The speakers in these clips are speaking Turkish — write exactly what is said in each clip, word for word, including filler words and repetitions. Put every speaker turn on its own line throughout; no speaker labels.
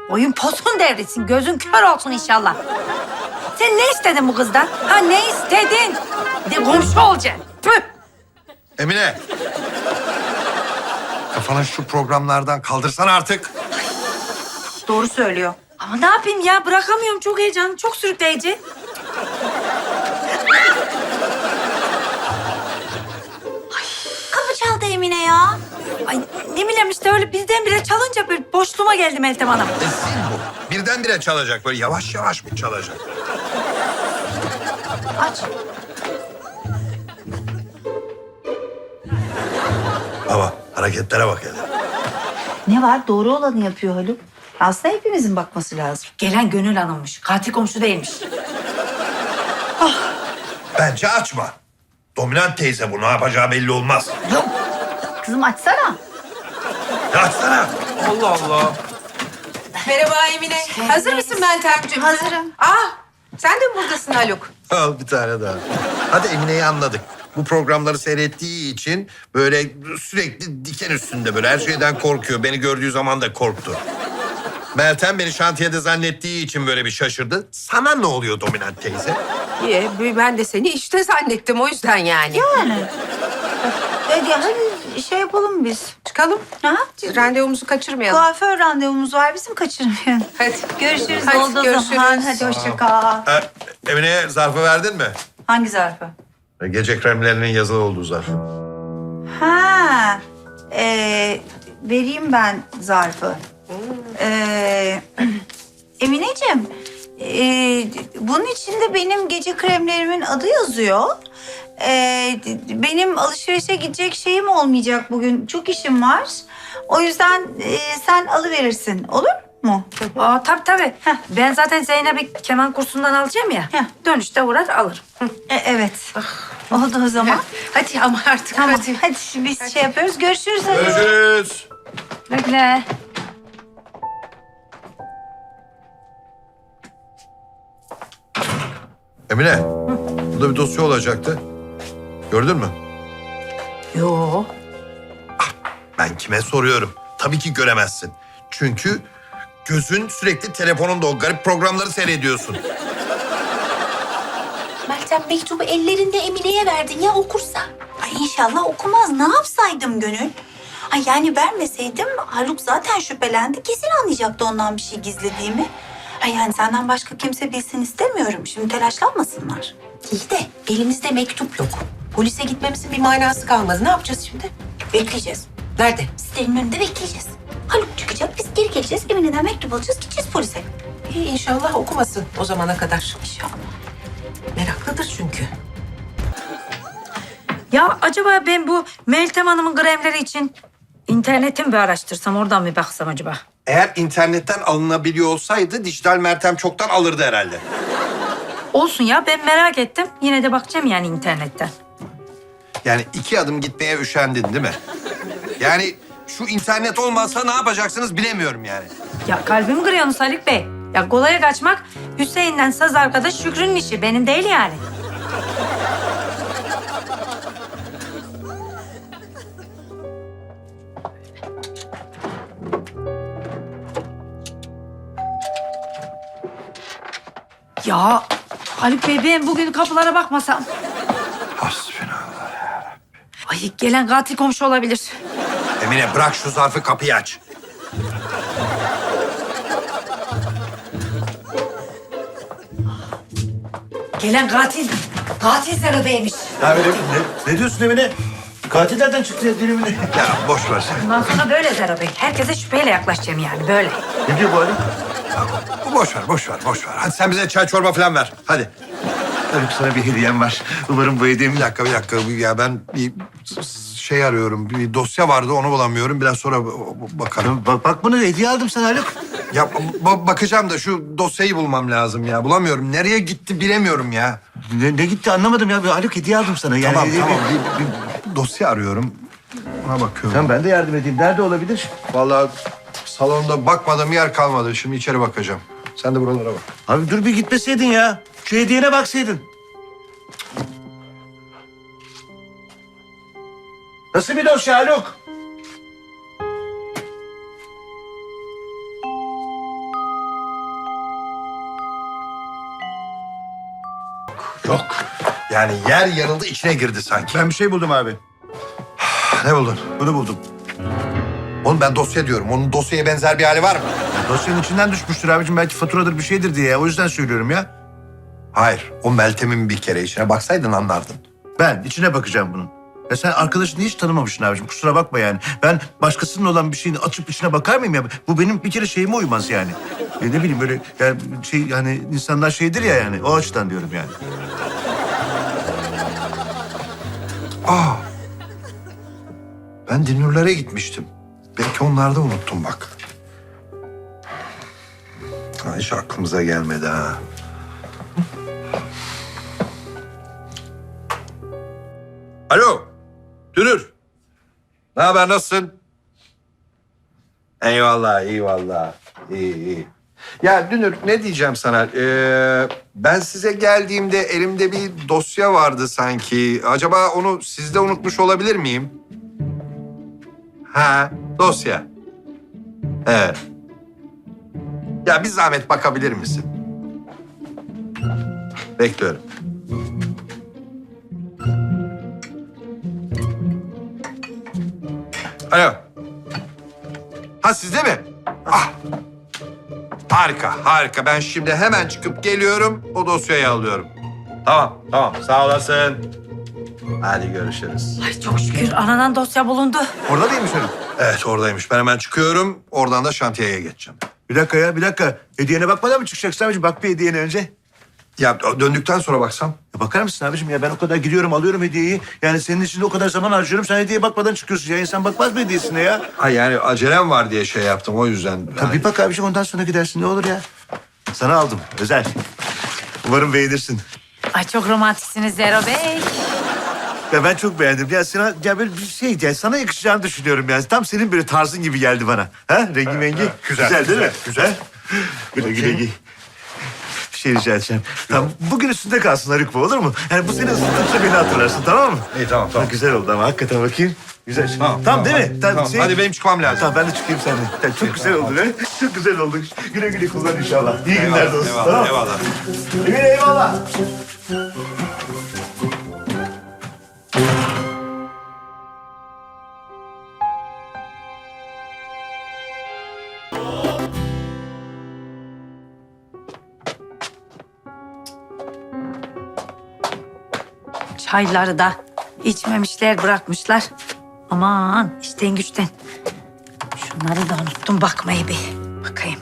Oyun posun devrilsin, gözün kör olsun inşallah. Sen ne istedin bu kızdan? Ha ne istedin? Bir de komşu olacaksın. Tüh!
Emine. Kafana şu programlardan kaldırsana artık.
Doğru söylüyor. Ama ne yapayım ya? Bırakamıyorum. Çok heyecanlı, çok sürükleyici.
Kapı çaldı Emine ya.
Ay ne bileyim işte öyle birdenbire çalınca bir boşluğuma geldi Meltem Hanım.
E, zil bu. Birdenbire çalacak. Böyle yavaş yavaş mı çalacak?
Aç.
Baba hareketlere bak hele.
Ne var? Doğru olanı yapıyor Haluk. Aslında hepimizin bakması lazım.
Gelen Gönül Hanım'mış. Katil komşu değilmiş.
Bence açma. Dominant teyze bu. Ne yapacağı belli olmaz.
Yok. Kızım açsana.
Ya açsana. Allah Allah.
Merhaba Emine. Hazır mısın Meltemciğim?
Hazırım.
Ah, sen de mi buradasın Haluk?
Al bir tane daha. Hadi Emine'yi anladık. Bu programları seyrettiği için böyle sürekli diken üstünde böyle her şeyden korkuyor. Beni gördüğü zaman da korktu. Meltem beni şantiyede zannettiği için böyle bir şaşırdı. Sana ne oluyor Dominant teyze?
İyi, ben de seni işte zannettim o yüzden yani.
Yani. Hadi, hadi şey yapalım biz.
Çıkalım.
Ha?
Randevumuzu kaçırmayalım.
Kuaför randevumuz var bizim, kaçırmayın.
Hadi.
Görüşürüz.
Hadi,
Oldu o
görüşürüz.
zaman. Hadi hoşça kal.
Ee, Emine'ye zarfı verdin mi?
Hangi zarfı?
Gece kremlerinin yazılı olduğu zarf.
Ha. Ee, vereyim ben zarfı. Ee, Emineciğim, ee, bunun içinde benim gece kremlerimin adı yazıyor. Ee, benim alışverişe gidecek şeyim olmayacak bugün. Çok işim var. O yüzden ee, sen alıverirsin. Olur mu?
Aa tabii tabii. Ben zaten Zeynep'i keman kursundan alacağım ya.
Heh.
Dönüşte uğrar alırım.
E, evet. Oldu o zaman.
Hadi ama artık
Tamam.
hadi.
Hadi biz şey yapıyoruz. Görüşürüz. Hadi.
Görüşürüz.
Bekle.
Emine, burada bir dosya olacaktı. Gördün mü?
Yo.
Ben kime soruyorum? Tabii ki göremezsin. Çünkü gözün sürekli telefonunda o garip programları seyrediyorsun.
Meltem mektubu ellerinde Emine'ye verdin ya, okursa. Ay inşallah okumaz. Ne yapsaydım Gönül? Ay yani vermeseydim Haluk zaten şüphelendi. Kesin anlayacaktı ondan bir şey gizlediğimi. Ay yani senden başka kimse bilsin istemiyorum. Şimdi telaşlanmasınlar.
İyi de elimizde mektup yok. Polise gitmemizin bir manası kalmadı. Ne yapacağız şimdi?
Bekleyeceğiz.
Nerede?
Sitenin önünde bekleyeceğiz. Haluk çıkacak, biz geri geleceğiz. Emine'den mektup alacağız, gideceğiz polise.
İyi inşallah okumasın o zamana kadar.
İnşallah.
Meraklıdır çünkü.
Ya acaba ben bu Meltem Hanım'ın kremleri için interneti mi bir araştırsam, oradan mı baksam acaba?
Eğer internetten alınabiliyor olsaydı dijital Meltem çoktan alırdı herhalde.
Olsun ya, ben merak ettim. Yine de bakacağım yani internetten.
Yani iki adım gitmeye üşendin değil mi? Yani şu internet olmazsa ne yapacaksınız bilemiyorum yani.
Ya kalbimi kırıyorsunuz Haluk Bey. Ya kolaya kaçmak Hüseyin'den saz arkadaş Şükrü'nün işi. Benim değil yani. Ya Haluk Bey, ben bugün kapılara bakmasam.
Hasbinallah.
Ay gelen katil komşu olabilir.
Emine bırak şu zarfı, kapıyı aç.
Gelen katil, katil Zero Bey'miş.
Ya öyle ne, ne diyorsun Emine? Katil nereden çıktı ya dilimine?
Ya boş ver sen.
Bundan sonra böyle Zero Bey. Herkese şüpheyle yaklaşacağım yani böyle.
Ne diyor bu Haluk?
Boş ver, boş ver, boş ver. Hadi sen bize çay çorba falan ver. Hadi.
Haluk sana bir hediyem var. Umarım bu hediyemi...
Bir dakika, bir dakika. Ya ben bir şey arıyorum. Bir dosya vardı, onu bulamıyorum. Biraz sonra bakarım.
Bak, bak bunu hediye aldım sana Haluk.
Ya ba- bakacağım da şu dosyayı bulmam lazım ya. Bulamıyorum. Nereye gitti bilemiyorum ya.
Ne, ne gitti anlamadım ya. Bir Haluk hediye aldım sana. Yani
Tamam,
hediye-
tamam. Bir, bir dosya arıyorum. Ona bakıyorum.
Tamam ben de yardım edeyim. Nerede olabilir?
Vallahi salonda bakmadığım yer kalmadı. Şimdi içeri bakacağım. Sen de buralara bak.
Abi dur bir gitmeseydin ya. Şu hediyene baksaydın. Nasıl bir dosya Haluk?
yok, yok. Yani yer yarıldı, içine girdi sanki.
Ben bir şey buldum abi.
Ne buldun?
Bunu buldum.
Oğlum ben dosya diyorum. Onun dosyaya benzer bir hali var mı?
Dosyanın içinden düşmüştür abicim. Belki faturadır bir şeydir diye. ya. O yüzden söylüyorum ya.
Hayır. O Meltem'in bir kere içine baksaydın anlardın.
Ben içine bakacağım bunun. Ya sen arkadaşını hiç tanımamışsın abicim. Kusura bakma yani. Ben başkasının olan bir şeyini açıp içine bakar mıyım ya? Bu benim bir kere şeyime uymaz yani. E ne bileyim böyle yani şey yani insanlar şeydir ya yani. O açıdan diyorum yani.
Aa. Ben Dinurlara gitmiştim. Belki onlarda unuttum bak. Ha, hiç aklımıza gelmedi ha. Alo. Dünür. Ne haber, nasılsın? Eyvallah, iyi vallahi. İyi, iyi. Ya Dünür, ne diyeceğim sana? Ee, ben size geldiğimde elimde bir dosya vardı sanki. Acaba onu sizde unutmuş olabilir miyim? Ha, dosya. Evet. Ya bir zahmet bakabilir misin? Bekliyorum. Alo. Ha, sizde mi? Ah. Harika, harika. Ben şimdi hemen çıkıp geliyorum. O dosyayı alıyorum. Tamam, tamam. Sağ olasın. Hadi görüşürüz.
Ay çok şükür aranan dosya bulundu.
Orada değilmiş hanım.
Evet, oradaymış. Ben hemen çıkıyorum. Oradan da şantiyeye geçeceğim.
Bir dakika ya bir dakika. Hediyene bakmadan mı çıkacaksın abicim? Bak bir hediyene önce.
Ya döndükten sonra baksam.
Ya bakar mısın abicim ya ben o kadar gidiyorum alıyorum hediyeyi. Yani senin için de o kadar zaman harcıyorum. Sen hediyeye bakmadan çıkıyorsun ya. İnsan bakmaz mı hediyesine ya?
Ha, yani acelem var diye şey yaptım, o yüzden.
Tabii bir bak abicim ondan sonra gidersin ne olur ya. Sana aldım özel. Umarım beğenirsin.
Ay çok romantiksiniz Zero Bey.
Ya ben çok beğendim. Ya sana ya böyle bir şey ya sana yakışacağını düşünüyorum yani. Tam senin böyle tarzın gibi geldi bana. Ha? Rengi mengi.
güzel,
değil
güzel,
mi?
güzel.
Ha? Güle güle giy. Bir şey rica edeceğim. Tamam bugün üstünde kalsın Haluk bu olur mu? Yani bu seni ısıtınca beni hatırlarsın tamam mı?
İyi, tamam, tamam.
Ha, güzel oldu ama hakikaten bakayım. Güzel.
Tamam,
Tamam, değil
hadi,
mi? Tamam,
tamam.
şey-
Hadi benim çıkmam lazım.
Tamam ben de çıkayım seninle. Ya, çok güzel oldu be. Çok güzel oldu. Güle güle kullan inşallah. İyi günler de olsun.
Eyvallah,
Tamam.
eyvallah.
Emine eyvallah.
Çayları da içmemişler bırakmışlar. Aman işten güçten. Şunları da unuttum bakmayı bir. Bakayım.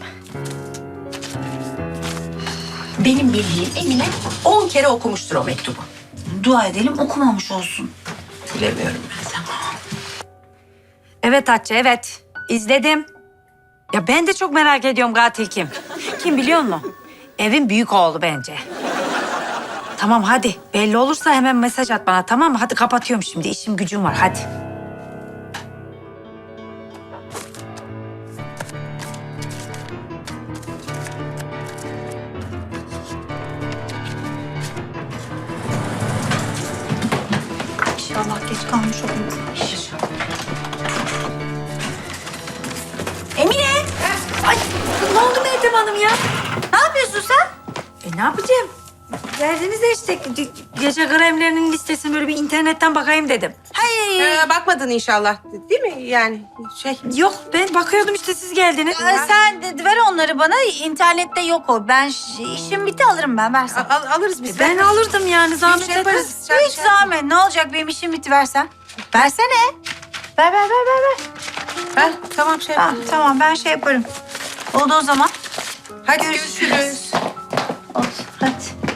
Benim bildiğim Emine on kere okumuştur o mektubu.
Dua edelim okumamış olsun.
Bilemiyorum ben sana.
Evet Hatice evet. İzledim. Ya ben de çok merak ediyorum katil kim? Kim biliyor musun? Evin büyük oğlu bence. Tamam hadi. Belli olursa hemen mesaj at bana tamam mı? Hadi kapatıyorum şimdi. İşim gücüm var hadi.
İnşallah geç kalmış olmayız. Emine!
Ay ne oldu Meltem Hanım ya?
Ne yapıyorsun sen?
E ne yapacağım? Verdiniz de işte ge- gece kremlerinin listesini böyle bir internetten bakayım dedim.
Hayır.
Ee, bakmadın inşallah değil mi yani şey?
Yok ben bakıyordum işte siz geldiniz.
Ee, sen de ver onları bana. İnternette yok o. Ben ş- işim bitti alırım ben. Versen.
Al, alırız biz.
Ben alırdım yani zahmet
şey
etmez.
yaparız. Sen
Hiç
şey-
zahmet. Ne olacak benim işim bitti versen. Versene. Ver ver ver ver ver.
Ha, tamam şey.
Tamam, tamam ben şey yaparım. Oldu o zaman.
Hadi görüşürüz.
Oldu hadi.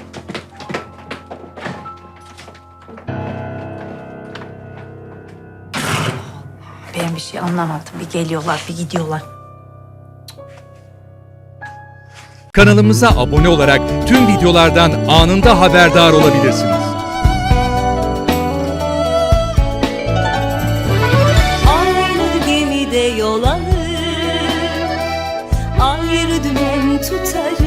Ben bir şey anlamadım. Bir geliyorlar bir gidiyorlar.
Kanalımıza abone olarak tüm videolardan anında haberdar olabilirsiniz.
Aynı gemide yol alır, ayrı dümen tutarız.